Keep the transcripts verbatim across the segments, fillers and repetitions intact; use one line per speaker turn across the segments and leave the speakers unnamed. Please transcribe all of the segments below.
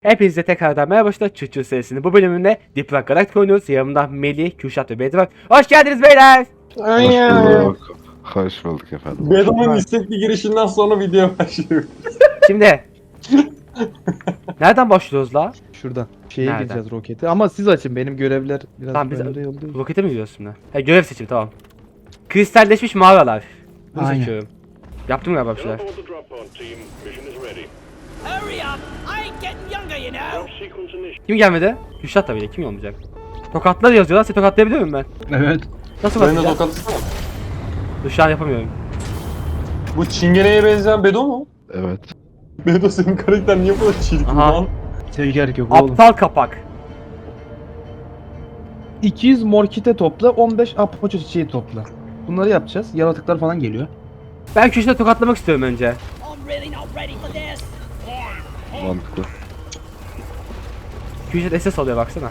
Hepinize tekrardan merhaba arkadaşlar. Çuçu serisinin bu bölümünde Deep Rock Galactic oynuyoruz. Yanımda Melih, Kürşat ve Bedrock. Hoş geldiniz beyler.
Hoş
Aynen.
bulduk. Hoş bulduk efendim.
Bedo'nun istekli girişinden sonra video başlıyor.
Şimdi nereden başlıyoruz la?
Şuradan. Şeye
Nereden?
gireceğiz roketi. Ama siz açın. Benim görevler biraz
Tamam, biz-
önde yolluyor.
Rokete mi gidiyoruz şimdi? He, görev seçimi, tamam. Kristalleşmiş mağaralar. Bunu
Aynen.
seçiyorum. Yaptım galiba bir şeyler.
Report the drop pod team. Mission is ready.
Hurry up! I ain't getting younger, you know.
Sequence initiated.
Kim gelmedi? Kürşat tabii ki, kim olmayacak? Tokatlar yazıyorlar. Seni tokatlayabiliyor muyum ben?
Evet.
Nasıl
Ben de
bakacağım?
tokatlısana.
Dur, şu an yapamıyorum.
Bu çingeneye benzeyen Bedo mu?
Evet.
Bedo senin karakter niye bu kadar çirkin
Aha.
lan?
Sevgi gerek yok oğlum.
Aptal kapak.
iki yüz morkite topla, on beş apoço çiçeği topla. Bunları yapacağız. Yaratıklar falan geliyor.
Ben Kürşat'ı tokatlamak istiyorum önce.
I'm really not ready for this.
Mantıklı.
Kürşat S S alıyor baksana.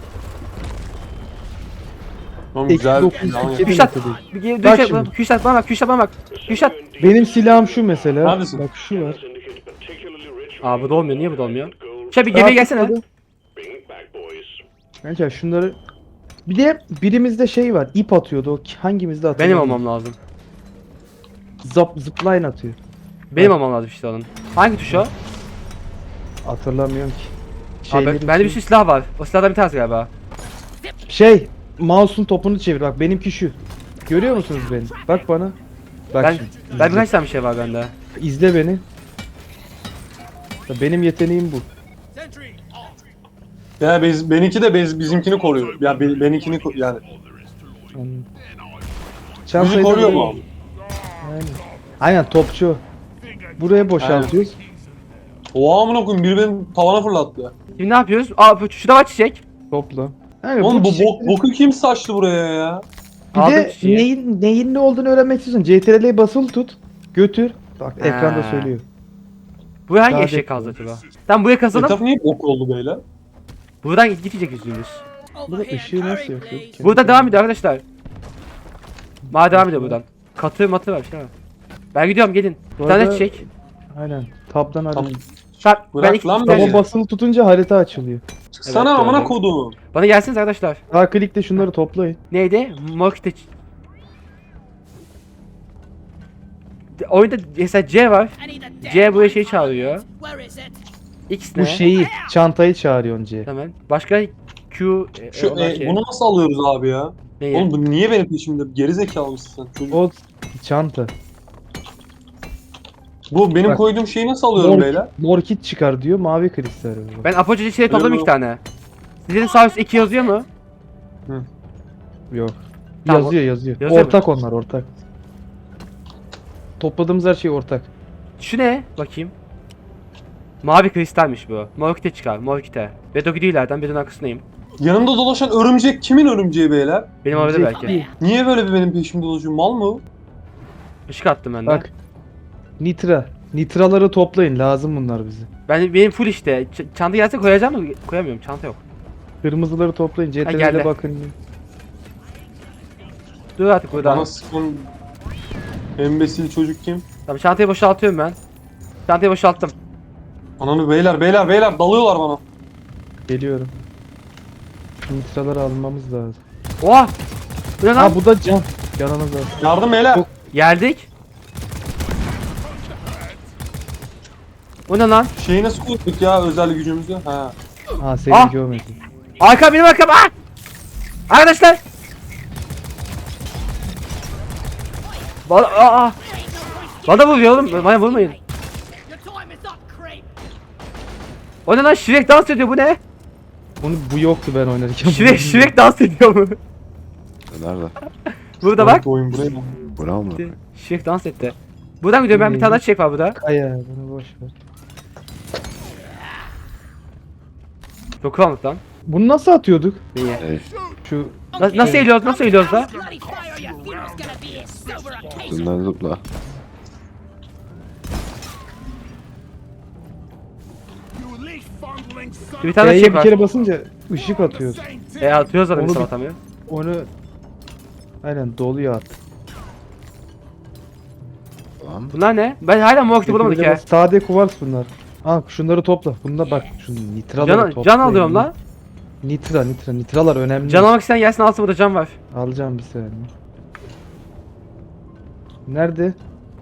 Tamam
Eksi
güzel.
dokuz,
Tamam.
iki.
Kürşat,
Değil.
bir geri
Bak
dönüşe
şimdi.
Kürşat bana bak, Kürşat bana bak. Kürşat.
Benim silahım şu mesela.
Neredesin?
Bak şu var.
Indicate particularly rich.
Aa, bu da olmuyor, niye bu da olmuyor?
Gold.
Şey, bir gemiye gelsene.
Rahatladı.
Bring it back, boys.
Bence şunları... Bir de birimizde şey var. İp atıyordu. O hangimizde atıyor?
Benim olmam lazım.
Zap, zipline atıyor.
Benim olmam lazım işte onun. Hangi tuş o?
Hatırlamıyorum ki.
Abi,
Şeylerin
bende bir
şey-
sürü silah var. O silahdan bir tanesi galiba.
Şey, mouse'un topunu çevir bak, benimki şu. Görüyor musunuz beni? Bak bana. Bak
Ben,
şimdi.
ben
izle.
birkaç tane bir şey var bende.
İzle beni. Ya benim yeteneğim bu.
Ya biz, benimki de biz, bizimkini koruyor. Ya be, benimkini ko- yani.
Yani.
Bizi
Çantayı da
koruyor
buraya-
mu?
Aynen. Aynen topçu. Buraya boşaltıyoruz.
Oha amına koyayım biri benim tavana fırlattı.
Şimdi ne yapıyoruz? Aa, bu- şurada var çiçek.
Topla. Yani
Oğlum bu
çiçekleri-
bok, boku kim saçtı buraya ya?
Bir
Aldım
de
çiçeği.
neyin, neyin ne olduğunu öğrenmek istiyorsun. C T R L'yi basılı tut. Götür. Bak
Ha.
ekranda söylüyor.
Bu hangi
Daha
eşek
bekle.
kaldı acaba? Tamam, buraya kazalım.
Etraf niye bok oldu böyle?
Buradan gidecek yüzümüz.
Burada
Over here,
ışığı nasıl
hurry,
yakıyor?
please.
Burada devam ediyor arkadaşlar. Ma devam ediyor buradan. Katı matı var şey var. Ben gidiyorum, gelin. Bir
Bu
tane
arada-
çiçek.
Aynen. Tab'dan
Tamam.
harita.
Tamam, ben
Bırak
iki
lan
iki
beni.
tane-
Taba basılı tutunca harita açılıyor.
Çıksana
Evet,
amına
gördüm.
koduğum.
Bana gelsiniz arkadaşlar.
Sağ klikle şunları toplayın.
Neydi? Morkite. Oyunda mesela C var.
I need a
C
damn
buraya
light
şey
bulb.
çağırıyor.
Where is it?
X ne?
Bu şeyi, çantayı çağırıyorsun C.
Tamam. Başka Q e,
Şu
olan
e,
şey.
bunu nasıl alıyoruz abi ya?
Neyi?
Oğlum bu niye benim peşimde? Geri zekalı mısın sen? Çocuk.
O çanta.
Bu benim
Bak.
koyduğum şeyi nasıl alıyorum
Mor,
beyler?
mor kit çıkar diyor, mavi kristal arıyor.
Ben apoca şey topladım
Öyle
iki
mi?
tane. Sizin sağ üstte iki yazıyor mu?
Yok.
Tamam,
Yazıyor yazıyor.
yazıyor
ortak onlar ortak. Topladığımız her şey ortak.
Şu ne? Bakayım. Mavi kristalmiş bu. Morkite çıkar. Morkite. Ve Dogidi'lerden birinin arkasındayım.
Yanımda dolaşan örümcek kimin örümceği beyler?
Benim orada
Örümcek
belki.
değil.
Niye böyle bir benim peşimde dolaşıyor? Mal mı? o?
Işık attım ben de.
Bak. Nitra. Nitraları toplayın, lazım bunlar bize.
Ben benim full işte. Ç- çanta gelse koyacağım mı? Koyamıyorum. Çanta yok.
Kırmızıları toplayın, C T
geldi.
R'ye bakın.
Dur artık burada.
Bana sıkın. Embesil çocuk kim?
Tamam, çantayı boşaltıyorum ben. Çantayı boşalttım.
Ananı beyler beyler beyler dalıyorlar bana.
Geliyorum. Şu nitraları almamız lazım.
Oha! Bu ne lan?
Ha bu da can. Canınız var.
Yardım beyler.
Yok.
Geldik. Bu ne lan?
Şeyi nasıl koyduk ya özel gücümüzü? Ha.
Ha seni
Ah!
görmedim.
Arka, benim arkam. Aa! Arkadaşlar. Bana, aa, aa. Bana vuruyor oğlum. Bana vurmayın.
Your time is up, creep.
O ne lan? Shrek dans ediyor, bu ne?
Bunu bu yoktu ben oynarken.
Shrek, Shrek dans ediyor mu?
Nerede?
Burada bak.
Bu oyun buraya.
Bura mı?
Shrek dans etti. Buradan gidiyorum ben, bir tane daha çiçek var burada.
Kaya bunu boş ver.
Çok karanlık lan.
Bunu nasıl atıyorduk?
Neyi?
Hey,
Şu
Na- nasıl eğiliyoruz, nasıl eğiliyoruz da?
Bloody fire, your funeral's gonna be a sober occasion.
üstünden zıpla.
Bir tane
K'ye
çiçek
bir
var.
kere basınca ışık atıyor.
E, atıyoruz zaten,
Onu
bir
bir-
atamıyor.
Onu aynen doluyor at.
Tamam.
Bunlar ne? Ben hala Morkit'i bulamadık ya.
Sade kuvars bunlar. Al şunları topla. Bunda bak şu nitraları
Can,
topla.
can alıyorum lan.
Nitra nitra nitralar önemli.
Can almak isteyen gelsin alsın, burada can var.
Alacağım bir saniye. Nerede?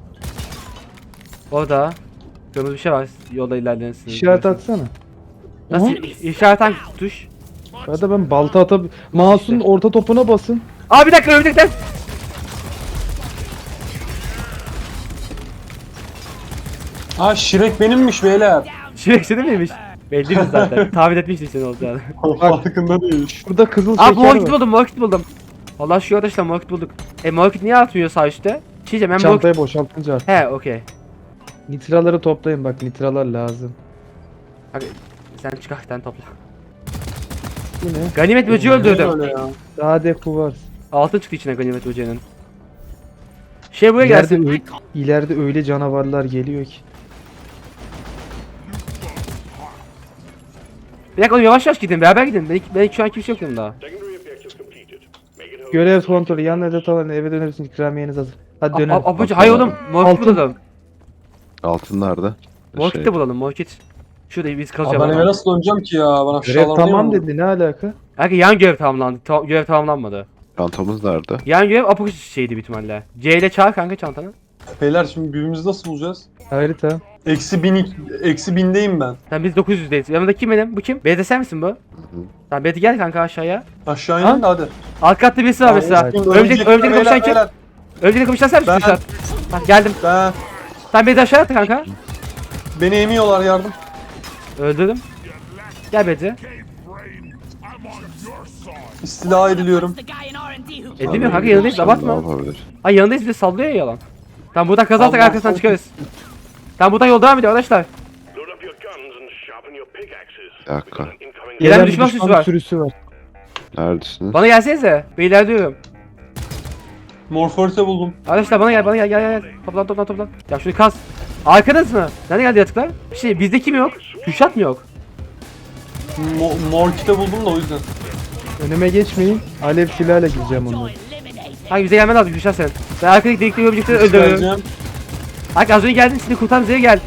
Orada. Kırmızı bir şey var. Yolda ilerlersiniz.
İşaret atsana.
Nasıl?
Aha.
İşaret hangi tuş?
Ya da ben balta atab... Mouse'un orta topuna basın.
Aa bir dakika ölecekler.
Ha Şirek benimmiş beyler.
Şirek seni miymiş? Belli mi zaten? Tahmin etmiştim seni olacağını.
Farkında değil.
Burada kızıl
Aa
şeker
mor kit
var.
buldum, mor kit buldum. Allah şu arkadaşlar mor kit bulduk. E mor kit niye atmıyor sağ üstte? Bir şey diyeceğim ben mor kit...
Çantayı boşaltınca artık.
He okey.
Nitraları toplayın bak nitralar lazım.
Hadi sen çıkar sen topla.
Bu ne?
Ganimet böceği öldürdüm.
Öyle ya.
Daha deku var.
Altın çıktı içine ganimet böceğinin. Şey buraya
İleride,
gelsin.
öyle, ileride öyle canavarlar geliyor ki.
Bir dakika oğlum yavaş yavaş gidin, beraber gidin. Belki, belki şu an kimse yok yanımda.
Secondary objectives completed. Make it home.
Görev kontrolü yanına edet alın eve dönersiniz ikramiyeniz hazır. Hadi dönelim.
A- a- Abucu hayır oğlum, mor kit
Altın.
bulalım.
Altın nerede?
Mor
Şey,
kit de bulalım, mor kit. Şurada biz
Abi
kazacağız.
ben eve nasıl döneceğim ki ya? Bana
Görev
aşağılar
tamam dedi ne alaka?
Belki yan görev tamamlandı. Ta görev tamamlanmadı.
Çantamız nerede?
Yan görev apokus şeydi büyük ihtimalle. C ile çağır kanka çantanı.
Beyler şimdi birbirimizi nasıl bulacağız?
Harita.
Eksi bin, eksi bindeyim ben.
Sen biz dokuz yüzdeyiz. Yanımda kim benim? Bu kim? B'de sen misin bu? Tamam B'de gel kanka aşağıya.
Aşağı
Ha?
inin de hadi.
Alt katta birisi var mesela.
Şimdi
Örümcek, örümcek
beyler,
kapışan kim?
beyler.
Örümcek kapışan sen misin?
Ben.
Kürşat? Bak geldim.
Ben.
Sen B'de aşağı attı kanka.
Beni emiyorlar yardım.
Öldürdüm. Gel B'de.
İstila ediliyorum.
The guy in R and D who
Edemiyor kanka yanındayız
Ne
abartma.
yapabilir?
Ay yanındayız bir de sallıyor ya yalan. Tamam buradan kazarsak
Allah
arkasından
Allah.
çıkarız. Tamam buradan yol devam ediyor arkadaşlar.
Load up your guns and sharpen your pickaxes.
Bir dakika.
We've got an incoming
Gelen
Gelen
düşman sürüsü var.
sürüsü var.
Neredesiniz?
Bana gelsenize. Beyler diyorum.
Morforte buldum.
Arkadaşlar bana gel bana gel gel gel. Toplan toplan toplan. Ya şunu kaz. Arkanız mı? Nerede geldi yatıklar? Bir şey bizde kim yok? Kürşat mı yok?
Mo mor kite buldum da o yüzden.
Önüme geçmeyin. Alev silahla gireceğim onları.
eliminated.
Hangi bize gelmen lazım Kürşat sen. Ben arkadaki delikli öbürcükleri öldürüyorum.
Geleceğim.
Hangi az önce geldin seni kurtar bize gel.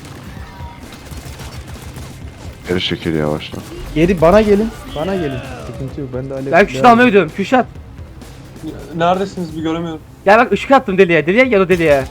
Geri çekil yavaşla.
Geri bana gelin. Bana gelin. Sıkıntı yok. Ben de alev
Ben Kürşat'ı
silahla-
almaya gidiyorum. Kürşat.
Neredesiniz bir göremiyorum.
Gel bak ışık attım deliğe. Deliğe gel o deliğe.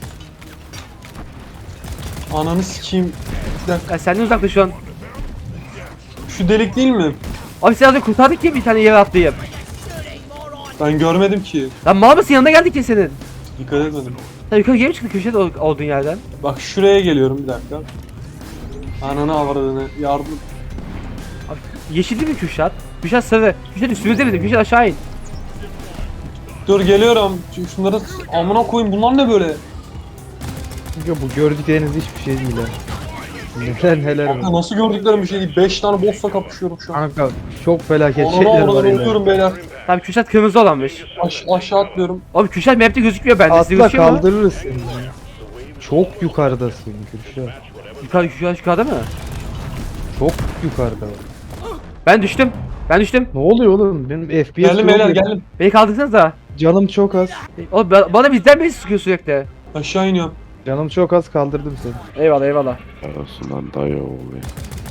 Ananı sikeyim. Bir dakika.
Ya senden uzakta şu an.
Şu delik değil mi?
Abi sen az önce kurtardık ya bir tane yere atlayıp.
Ben görmedim ki.
Lan mal mısın yanında geldik ya senin.
Dikkat etmedim.
Sen yukarı geri mi çıktın Kürşat ol- olduğun yerden?
Bak şuraya geliyorum bir dakika. Ananı avradını yardım.
Abi, yeşil değil mi Kürşat? Kürşat sarı. Kürşat üstümüzde miydi? Kürşat aşağı in.
Dur geliyorum. Şu- Şunları s- amına koyayım bunlar ne böyle?
Yok bu gördükleriniz hiçbir şey değil ha. Neler neler
Kanka
var.
nasıl gördüklerim bir şey değil. beş tane boss'la kapışıyorum şu an.
Kanka çok felaket
Ananı
şeyler var
avradını
yine.
ölüyorum beyler.
Tamam Kürşat kırmızı olanmış.
Aş aşağı atlıyorum.
Abi Kürşat map'te gözükmüyor bende. Sizde
Atla
gözüküyor mu?
kaldırırız seni. ya. Çok yukarıdasın Kürşat.
Yukarı, Kürşat yukarıda mı?
Çok yukarıda.
Ben düştüm. Ben düştüm.
Ne oluyor oğlum? Benim F P S
Geldim
yok
beyler
ya.
geldim.
Beni kaldırsanıza.
Canım çok az.
Oğlum ba- bana bizden beni sıkıyor sürekli.
Aşağı iniyorum.
Canım çok az kaldırdım seni.
Eyvallah eyvallah.
Arasından dayı oluyor.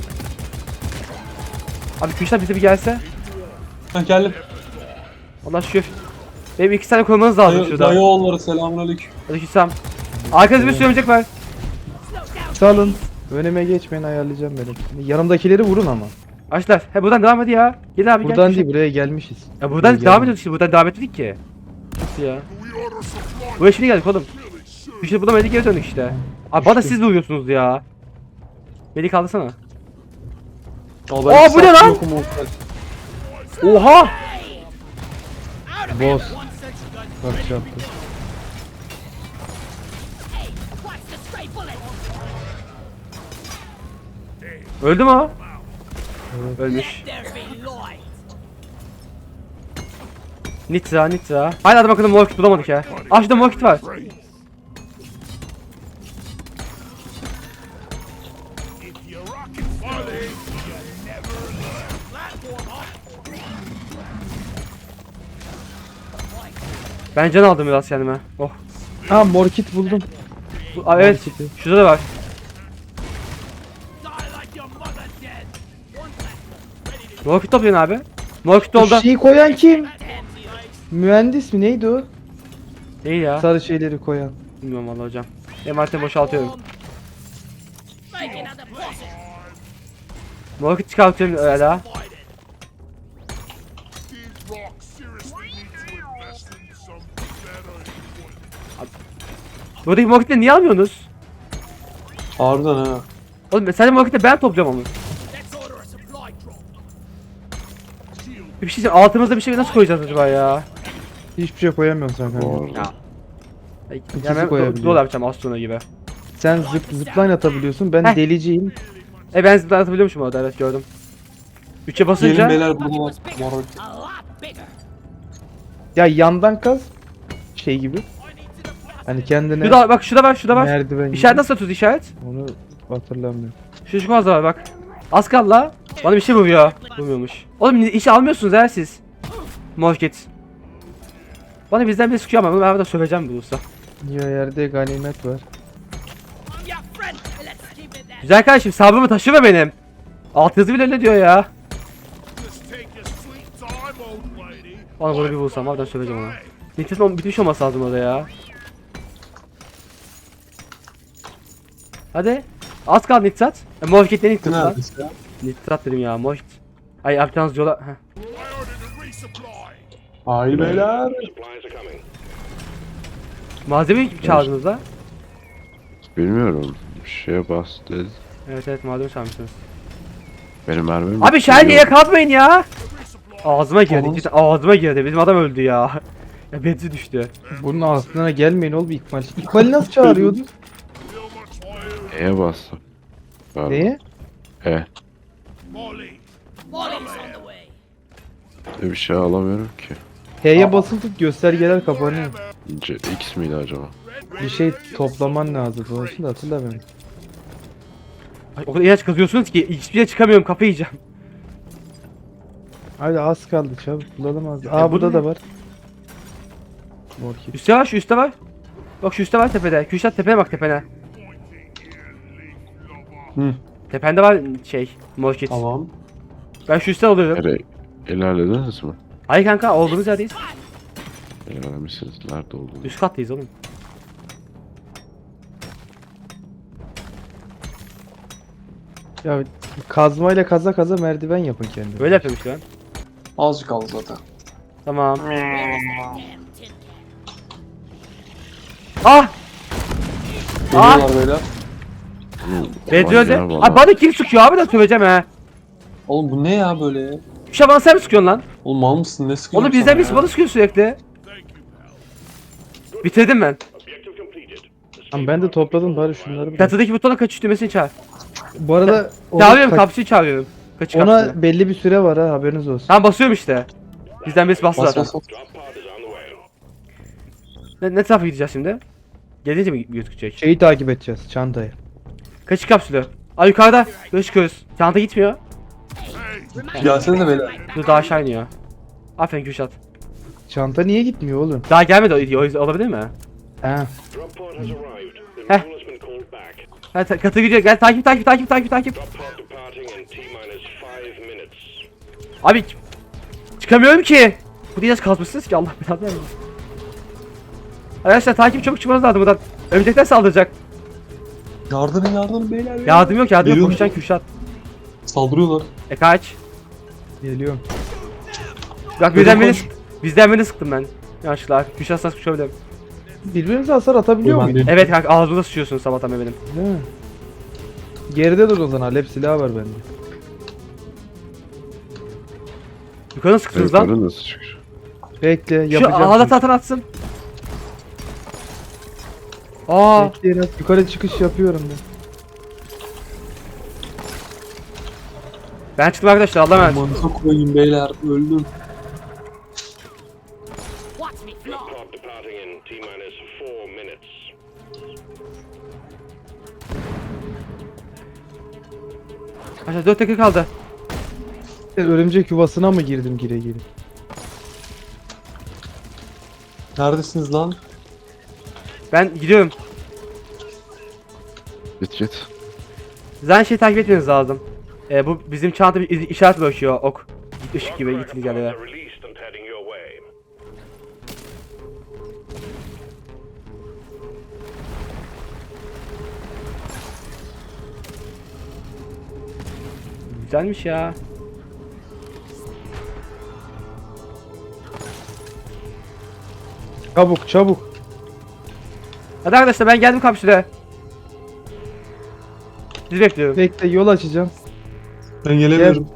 Abi Kürşat bize bir gelse.
Ha geldim.
Allah şükür. Benim iki tane korumanız lazım
Dayı,
şurada.
dayı oğulları selamünaleyküm.
Aleykümselam. Arkanızda bir sürü örümcek var.
Salın. Önüme geçmeyin ayarlayacağım benim. Yanımdakileri vurun ama.
Açlar. He buradan devam hadi ya. Gel abi gel.
Buradan
Kürşat.
değil buraya gelmişiz.
Ya buradan
Buraya
devam
gelmedik.
ediyorduk işte. Buradan devam etmedik ki. Nasıl ya? Buraya şimdi geldik oğlum. Kürşat bulamadık geri döndük işte. Abi bana siz vuruyorsunuz ya. Beni kaldırsana.
Aa,
Aa, bu ne lan?
yokum oğlum.
Oha!
Boss. Bak çarptı.
Hey, watch the stray bullet.
Öldü mü o? Ölmüş.
There be light.
Nitra Nitra. Hala da bakalım mor kit bulamadık ya. Aa şurada mor kit var. Ben can aldım biraz kendime. Oh.
Ha mor kit buldum.
Bu- Aa, evet.
Mor kiti.
Şurada da var. Roket toplayın abi. Roket
Bu
doldu.
şeyi koyan kim? Mühendis mi neydi o?
Değil ya.
Sarı şeyleri koyan.
Bilmiyorum valla hocam. Emanetini boşaltıyorum.
Make another position.
Roket çıkartıyorum öyle daha.
These rocks seriously need to invest in some better equipment.
Buradaki roketleri niye almıyorsunuz?
Harbiden ha.
Oğlum sadece roketleri ben topluyorum onu.
Let's order a supply drop.
Bir şey diyeceğim, altımızda bir şey nasıl koyacağız acaba ya?
Hiçbir şey koyamıyorsun sen kanka.
Bu arada.
Ya. Ay,
İkisi
yani ben
koyabiliyor.
dolu yapacağım Astro'na gibi.
Sen zıp, zipline atabiliyorsun. Ben
Heh.
deliciyim.
E ben zıplar atabiliyormuşum orada, evet gördüm. üçe
Gelin
basınca
beyler burada var. Mor roket.
A lot bigger.
Ya yandan kaz. Şey gibi. Hani kendine
şurada bak, şurada var, şurada var.
merdiven gibi.
İşaret nasıl atıyoruz işaret?
Onu hatırlamıyorum.
Şu şu fazla var bak. Az kaldı la. Bana bir şey vuruyor. Vurmuyormuş. Oğlum işe almıyorsunuz ha siz. Morket. Bana bizden bir sıkıyor ama bunu ben burada söveceğim bulursa.
Ya yerde ganimet var.
I'm your friend. Let's keep it that.
Güzel kardeşim, sabrımı taşıma benim. Alt yazı bile öyle diyor ya.
Just take your sweet time, old lady.
Bana bunu bir vursam harbiden söveceğim ona. Nitrat'ın bitmiş olması lazım orada ya. Hadi. Az kaldı nitrat. E, Morket ne nitrat lan?
Neredesin ya?
Nitrat dedim ya, Morket. Ay yapacağınız yola... Heh.
I ordered a resupply.
Haydi beyler.
Supplies are coming.
Malzeme mi çaldınız la?
Bilmiyorum. Bir şeye bas dedi.
Evet evet, malzeme çalmışsınız.
Benim mermim
Abi şerliğe kalmayın ya.
Resupply.
Ağzıma girdi,
Oğlum.
cidden ağzıma girdi. Bizim adam öldü ya. Ya benzin düştü.
Bunun aklına gelmeyin oğlum İkmal. İkmal'i nasıl çağırıyordun?
Feel much fire.
E'ye bastım. Galiba.
Neye?
E.
Molly.
Molly's on the way.
Bir şey alamıyorum ki.
H'ye basılı tut göstergeler kapanıyor.
C X miydi acaba?
Bir şey toplaman lazım. Doğrusunu da hatırlamıyorum.
Ay, o kadar ilaç kazıyorsunuz ki hiçbir yere çıkamıyorum, kafayı yiyeceğim.
Hadi az kaldı çabuk bulalım az.
E,
Aa
bu
burada
ne?
da var. Morkit.
Üste var, şu üstte var. Bak şu üstte var tepede. Kürşat tepeye bak, tepene.
Hı.
Tepende var şey, morkit.
Tamam.
Ben şu üstte alıyorum.
Nereye? İlerlediniz mi?
Hayır kanka, olduğumuz yerdeyiz.
İlerlemişsiniz. Nerede olduğunu.
Üst kattayız oğlum.
Ya kazmayla kaza kaza merdiven yapın kendine.
Böyle yapıyorum işte ben.
Azıcık kaldı zaten.
Tamam.
Damn tin can.
Ah! Ah!
Geliyorlar beyler.
Bedri öldü.
Manyağı
Abi bana kim sıkıyor abi, de söveceğim he.
Oğlum bu ne ya böyle?
Bir şey bana sen mi sıkıyorsun lan?
Oğlum mal mısın? Ne sıkıyorsun
Oğlum bizden
sana
birisi
ya?
bana sıkıyor sürekli. Bitirdim ben.
Objective completed.
Tamam ben de topladım bari şunları bırak.
Çatıdaki butona kaçış düğmesini çağır.
Bu arada ona,
Çağırıyorum,
kaç-
kapsıyı çağırıyorum. Kaçış kapsını.
ona belli bir süre var ha haberiniz olsun.
Tamam basıyorum işte. Bizden birisi bastı
Bas
zaten.
bas bas.
Drop pod is on the way.
Ne, ne tarafa gideceğiz şimdi? Gelince mi gözükecek?
Şeyi takip edeceğiz çantayı.
Kaçış kapsülü. Ay yukarıda. Böyle çıkıyoruz. Çanta gitmiyor.
Gelsene de beyler.
Dur, daha aşağı iniyor. Aferin Kürşat.
Çanta niye gitmiyor oğlum?
Daha gelmedi o, o yüzden olabilir mi?
Ha.
Drop pod has arrived.
Heh.
The mule has been called back.
Ha, ta- katı gidiyor. Gel takip takip takip takip takip.
Drop pod departing in T-minus five minutes.
Abi çıkamıyorum ki. Bu ilaç kazmışsınız ki, Allah belanı versin. Arkadaşlar takip, çabuk çıkmanız lazım buradan. Örümcekler saldıracak.
Yardım yardım beyler. ya.
Yardım yok, yardım yok.
Geliyor
Koşacaksın Kürşat.
Saldırıyorlar.
E kaç.
Geliyorum.
Bak bizden beni sıktı. Bizden beni sıktım ben. Yanlışlıkla. Kürşat sana sıkışabilirim.
Birbirinize hasar atabiliyor
Ben
muyuz?
değilim.
Evet kanka, ağzımda sıçıyorsun sabahtan beri benim.
Değil mi? Geride dur o zaman. Alep silahı var bende.
Yukarı sıktınız lan.
Yukarı nasıl çıkıyor?
Bekle
Şu
yapacağım.
ağda tahtan atsın. Aa,
Bekleyin az yukarı çıkış yapıyorum ben.
ben çıktım arkadaşlar, Allah'a emanet.
Mantık koyayım beyler. Öldüm.
Watch me fly.
Pod departing in T-minus four minutes.
Arkadaşlar dört dakika kaldı.
Örümcek yuvasına mı girdim gire gire?
Neredesiniz lan?
Ben gidiyorum.
Git git.
Zaten şey takip etmeniz lazım. Ee, bu bizim çanta bir iz- işaret bırakıyor, ok. ışık gibi gittiniz yerlere.
Released and heading your way.
Güzelmiş ya.
Çabuk çabuk.
Hadi arkadaşlar ben geldim kapsüle. Sizi bekliyorum.
Bekle yol açacağım.
Ben gelemiyorum.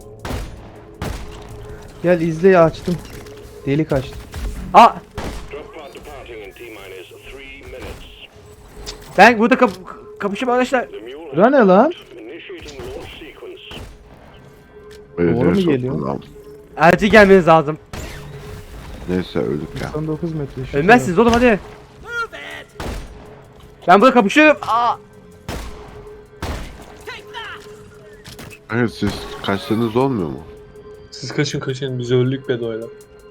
Gel izle açtım. Delik açtım.
Aa
Drop pod departing in T-minus three minutes.
ben burada kap kapışım arkadaşlar.
The mule
Bura ne lan?
initiating launch sequence.
Öyle
Doğru mu
soktu
geliyor?
lan.
Acil gelmeniz lazım.
Neyse öldük ya.
doksan dokuz metre. şu
Ölmezsiniz oğlum hadi.
Move it!
Ben burada kapışıyorum. Aa.
Take that!
Evet siz kaçsanız olmuyor mu?
Siz kaçın kaçın biz öldük Bedo'yla.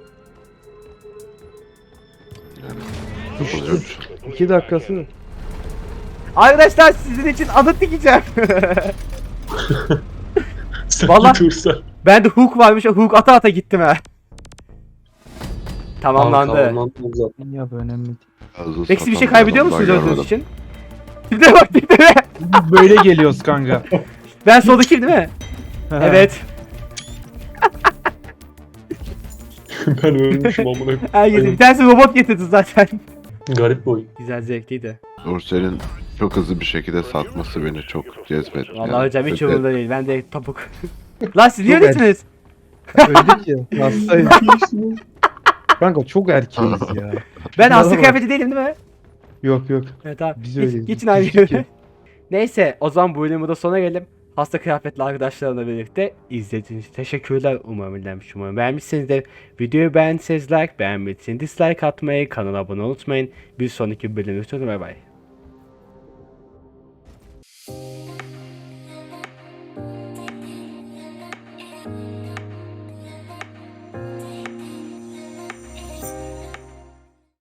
Yapılacak bir şey.
taraf. İki dakikası.
Arkadaşlar sizin için anıt dikeceğim.
Sen
Vallahi-
kursa.
Bende hook varmış. O hook ata ata gittim ha. Tamamlandı.
Tamamlandı zaten.
Ya bu önemli değil.
Hızlı
Peki siz bir şey
satan
kaybediyor
adamlar
musunuz öldüğünüz
görmedim.
için? Tipine bak tipine.
Böyle geliyoruz kanka.
Ben soldakiyim değil mi? Evet.
Ben ölmüşüm amına koyayım.
Herkes bir tanesi robot getirdi zaten.
Garip bir oyun.
Güzel zevkliydi.
Dorsel'in çok hızlı bir şekilde satması beni çok cezbetti.
Vallahi hocam hiç
öte-
umurumda değil. Ben de topuk. Lan siz niye
Çok
öylesiniz?
Öldük ya. Hastayız. Kanka çok erkeğiz ya.
Ben
Şunlara
hasta
bak.
kıyafeti değilim değil mi?
Yok yok.
Evet tamam.
Biz
Geç-
öyleyiz.
Geçin aynı
Küçük
yere.
ya.
Neyse o zaman bu bölümü de sona gelelim. Hasta kıyafetli arkadaşlarımla birlikte izlediğiniz için teşekkürler. Umarım eğlenmiş, umarım beğenmişsinizdir. Videoyu beğendiyseniz like, beğenmediyseniz dislike atmayı, kanala abone olmayı unutmayın. Bir sonraki bölümde görüşürüz. Bay bay.
Thank you.